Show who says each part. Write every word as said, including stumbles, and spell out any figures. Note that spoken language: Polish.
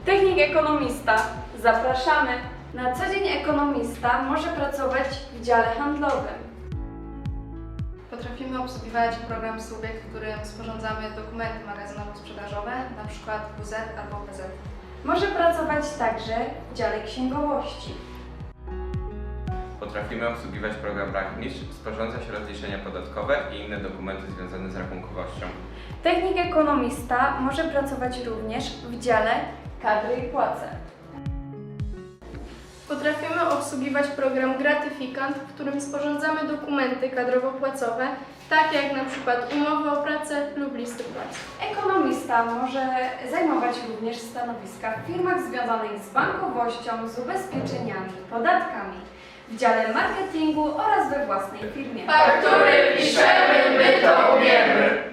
Speaker 1: Technik ekonomista. Zapraszamy! Na co dzień ekonomista może pracować w dziale handlowym.
Speaker 2: Potrafimy obsługiwać program Subjekt, w którym sporządzamy dokumenty magazynowo-sprzedażowe, np. W Z albo P Z.
Speaker 1: Może pracować także w dziale księgowości.
Speaker 3: Potrafimy obsługiwać program Rachmistrz, sporządzać rozliczenia podatkowe i inne dokumenty związane z rachunkowością.
Speaker 1: Technik ekonomista może pracować również w dziale kadry i płace.
Speaker 4: Potrafimy obsługiwać program Gratyfikant, w którym sporządzamy dokumenty kadrowo-płacowe, takie jak na przykład umowy o pracę lub listy płac.
Speaker 1: Ekonomista może zajmować również stanowiska w firmach związanych z bankowością, z ubezpieczeniami, podatkami, w dziale marketingu oraz we własnej firmie.
Speaker 4: Faktury piszemy, my to umiemy!